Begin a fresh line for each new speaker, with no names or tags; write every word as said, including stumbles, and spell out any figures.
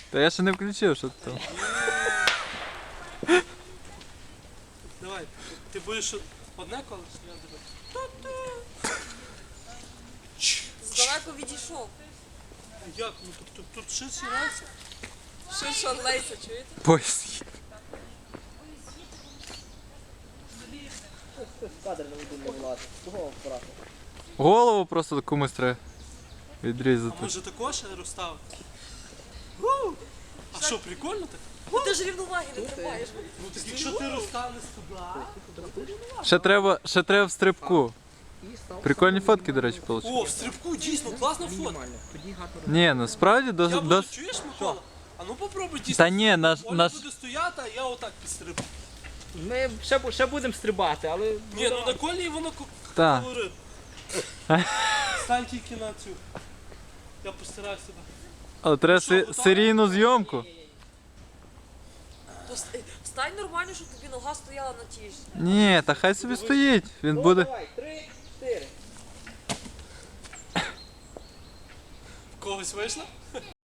Та я ще не включив, що ти там.
Давай, ти будеш одне колесо, я тебе.
Здалеку відійшов.
Як? Ну тут, тут, тут ширший рельс.
Ширшон Лейса, чуєте?
Поїзд.
Кадр не один не влазить. Кого брати?
Голову просто комусь треба
А
відрізати.
може також розставити? А що, прикольно так?
Ну ти ж рівноваги не тримаєш.
Ну так якщо ти розставиш туди.
Ще треба, ще треба в стрибку. Прикольні фотки, до речі, вийшли.
О, в стрибку дійсно класна фото.
Мінімально. Тоді гарно.
Ні, ну справді
Я
досить.
буду,
Дос...
чуєш, Микола? А ну попробуй дійсно.
Та ні, наш,
Оля
наш...
буде стояти, а я отак підстрибну.
Ми ще, бу- ще будемо стрибати, але...
Ні, ну на колії воно ко-
Та.
колорит. Стань тільки на цю. Я постараюсь себе.
Але треба се- серійну зйомку.
То с- е, Стань нормально, щоб тобі нога стояла на тій ж.
Ні, та хай собі стоїть. Він
Ну,
буде.
давай, три, чотири.
В когось вийшло?